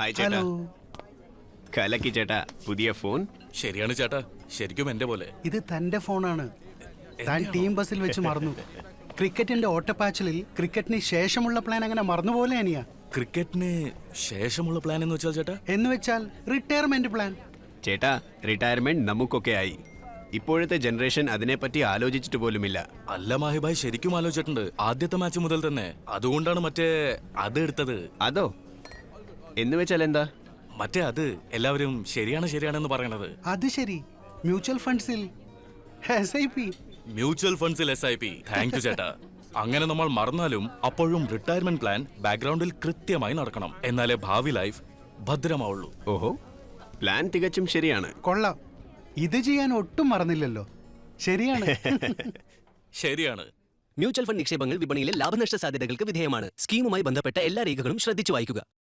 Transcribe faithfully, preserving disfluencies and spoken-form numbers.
Hi ചേട്ടാ. കലക്കി ചേട്ടാ, പുതിയ ഫോൺ. ശരിയാണ് ചേട്ടാ, ശരിക്കും എന്റെ പോലെ. ഇത് തന്റെ ഫോണാണ്. താൻ ടീം ബസ്സിൽ വെച്ച് മറന്നു. ക്രിക്കറ്റിന്റെ ഓട്ടപ്പാച്ചിലിൽ ക്രിക്കറ്റിന് ശേഷമുള്ള പ്ലാൻ അങ്ങനെ മറന്നുപോലെ അനിയ. ക്രിക്കറ്റിന് ശേഷമുള്ള പ്ലാൻ എന്ന് വെച്ചാൽ ചേട്ടാ? എന്ന് വെച്ചാൽ റിട്ടയർമെന്റ് പ്ലാൻ. ചേട്ടാ, റിട്ടയർമെന്റ് നമുക്കൊക്കെ ആയി. ഇപ്പോഴത്തെ ജനറേഷൻ അതിനെപ്പറ്റി ആലോചിച്ചിട്ട് പോലുമില്ല. അല്ല മാഹിബായ്, ശരിക്കും ആലോചിച്ചിട്ടുണ്ട്. ആദ്യത്തെ മാച്ച് മുതൽ തന്നെ. അതുകൊണ്ടാണ് മറ്റേ അത് എടുത്തത്. അതോ? എന്ന് വെച്ചാൽ എന്താ? മറ്റേ അത് എല്ലാവരും ശരിയാണ് ശരിയാണെന്ന് പറയണത്. അത് ശരി. മ്യൂച്വൽ ഫണ്ട്സിൽ എസ് ഐ പി. മ്യൂച്വൽ ഫണ്ട്സിൽ S I P. Thank you ചേട്ടാ. അങ്ങനെ നമ്മൾ മറന്നാലും അപ്പോഴും റിട്ടയർമെന്റ് പ്ലാൻ ബാക്ക്ഗ്രൗണ്ടിൽ കൃത്യമായി നടക്കണം. എന്നാലേ ഭാവി ലൈഫ് ഭദ്രമാവുള്ളൂ. ഓഹോ, പ്ലാൻ തികച്ചും ശരിയാണ്. കൊള്ളാം. ഇത് ചെയ്യാൻ ഒട്ടും മറന്നില്ലല്ലോ. ശരിയാണ്. ശരിയാണ്. മ്യൂച്വൽ ഫണ്ട് നിക്ഷേപങ്ങൾ വിപണിയിലെ ലാഭനഷ്ട സാധ്യതകൾക്ക് വിധേയമാണ്. സ്കീമുമായി ബന്ധപ്പെട്ട എല്ലാ രേഖകളും ശ്രദ്ധിച്ചു വായിക്കുക.